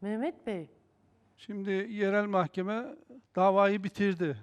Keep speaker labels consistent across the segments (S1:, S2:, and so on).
S1: Mehmet Bey.
S2: Şimdi yerel mahkeme davayı bitirdi.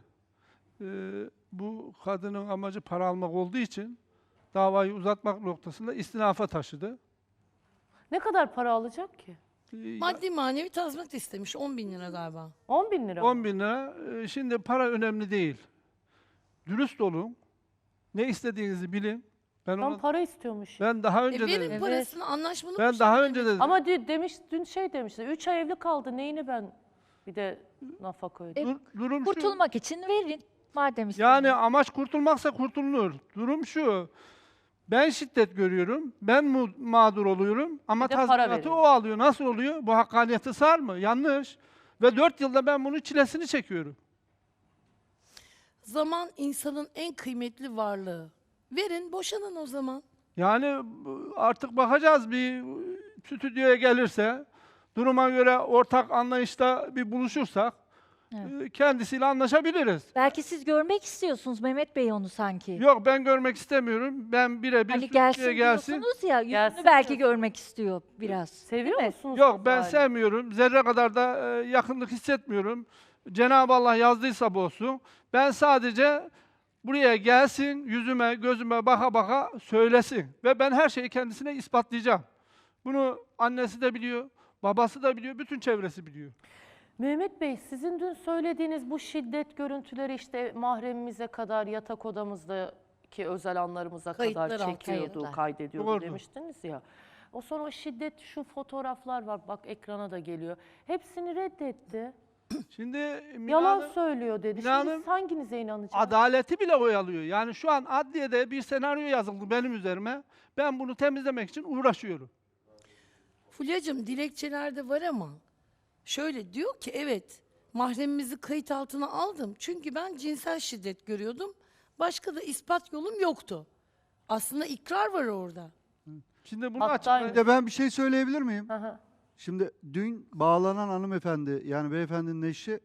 S2: Bu kadının amacı para almak olduğu için davayı uzatmak noktasında istinafa taşıdı.
S1: Ne kadar para alacak ki?
S3: Maddi manevi tazminat istemiş. 10.000 lira galiba.
S1: 10 bin lira mı?
S2: 10 bin lira. Şimdi para önemli değil. Dürüst olun. Ne istediğinizi bilin.
S1: Tam para istiyormuş.
S2: Ben daha önce
S3: Verin
S2: dedim.
S1: Evet.
S3: parasını, anlaşmalı bir
S2: Ben daha
S3: şekilde
S2: önce dedim.
S1: Ama dün şey demişti. 3 ay evli kaldı. Neyini ben bir de nafaka ödeyeyim.
S2: Durum şu.
S4: Kurtulmak için verin. Madem
S2: Yani amaç kurtulmaksa kurtulunur. Durum şu. Ben şiddet görüyorum. Ben mağdur oluyorum. Ama
S1: Bir de para
S2: tazminatı
S1: veriyor.
S2: o alıyor. Nasıl oluyor? Bu hakkaniyeti sar mı? Yanlış. Ve 4 yılda ben bunun çilesini çekiyorum.
S3: Zaman insanın en kıymetli varlığı. Verin, boşanın o zaman.
S2: Yani artık bakacağız bir stüdyoya gelirse, duruma göre ortak anlayışta bir buluşursak kendisiyle anlaşabiliriz.
S4: belki siz görmek istiyorsunuz Mehmet Bey onu sanki.
S2: Yok ben görmek istemiyorum. Ben birebir
S4: Hani
S2: stüdyoya
S4: gelsin diyorsunuz ya, yüzünü
S1: Gelsin
S4: belki
S1: diyorsun.
S4: görmek istiyor biraz.
S1: Seviyor musunuz?
S2: Yok ben
S1: bari?
S2: sevmiyorum. Zerre kadar da yakınlık hissetmiyorum. Cenab-ı Allah yazdıysa bu olsun. Ben sadece buraya gelsin, yüzüme, gözüme baka baka söylesin. Ve ben her şeyi kendisine ispatlayacağım. Bunu annesi de biliyor, babası da biliyor, bütün çevresi biliyor.
S1: Mehmet Bey, sizin dün söylediğiniz bu şiddet görüntüleri işte mahremimize kadar yatak odamızdaki özel anlarımıza
S3: Kayıtlar
S1: kadar
S3: altına
S1: çekiyordu,
S4: kayıtlar.
S1: kaydediyordu
S2: Doğru.
S1: demiştiniz ya. O sonra o şiddet, şu fotoğraflar var, bak ekrana da geliyor. Hepsini reddetti.
S2: Şimdi
S1: Yalan
S2: Mina'nın
S1: söylüyor dedi.
S2: Mina
S1: Şimdi
S2: Hanım,
S1: siz hanginize inanacaksınız?
S2: adaleti bile oyalıyor. Yani şu an adliyede bir senaryo yazıldı benim üzerime. Ben bunu temizlemek için uğraşıyorum.
S3: Fulya'cığım dilekçelerde var ama şöyle diyor ki evet mahremimizi kayıt altına aldım. Çünkü ben cinsel şiddet görüyordum. Başka da ispat yolum yoktu. Aslında ikrar var orada.
S2: Şimdi bunu
S1: Hatta-
S2: açıklayayım.
S5: Bir de ben bir şey söyleyebilir miyim?
S1: Hı hı.
S5: Şimdi dün bağlanan hanımefendi, yani beyefendinin eşi,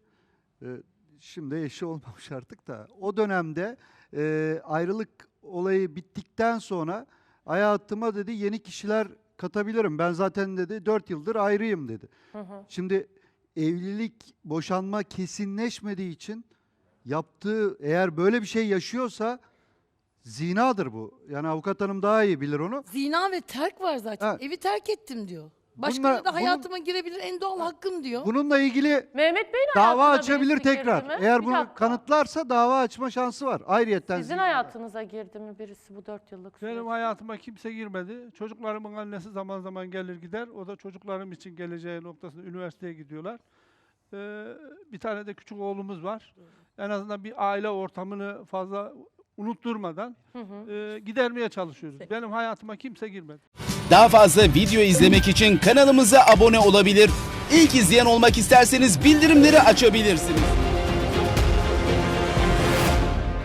S5: şimdi eşi olmamış artık da, o dönemde ayrılık olayı bittikten sonra hayatıma dedi yeni kişiler katabilirim. Ben zaten dedi 4 yıldır ayrıyım dedi. Şimdi evlilik, boşanma kesinleşmediği için yaptığı, eğer böyle bir şey yaşıyorsa zinadır bu. Yani avukat hanım daha iyi bilir onu.
S3: Zina ve terk var zaten.
S5: Ha.
S3: Evi terk ettim diyor. Başkaları
S5: Bununla-
S3: da hayatıma girebilir, en doğal hakkım diyor.
S5: Bununla ilgili
S1: Mehmet Bey'in
S5: dava
S1: hayatına
S5: açabilir
S1: birisi girdi
S5: tekrar.
S1: mi?
S5: Eğer
S1: Bir
S5: bunu
S1: dakika.
S5: kanıtlarsa dava açma şansı var. Ayrıyetten
S1: Sizin hayatınıza girdi mi birisi bu 4 yıllık süreçte?
S2: Benim hayatıma kimse girmedi. Çocuklarımın annesi zaman zaman gelir gider. O da çocuklarım için geleceği noktasında üniversiteye gidiyorlar. Bir tane de küçük oğlumuz var. En azından bir aile ortamını fazla unutturmadan gidermeye çalışıyoruz. Benim hayatıma kimse girmedi.
S6: Daha fazla video izlemek için kanalımıza abone olabilir. İlk izleyen olmak isterseniz bildirimleri açabilirsiniz.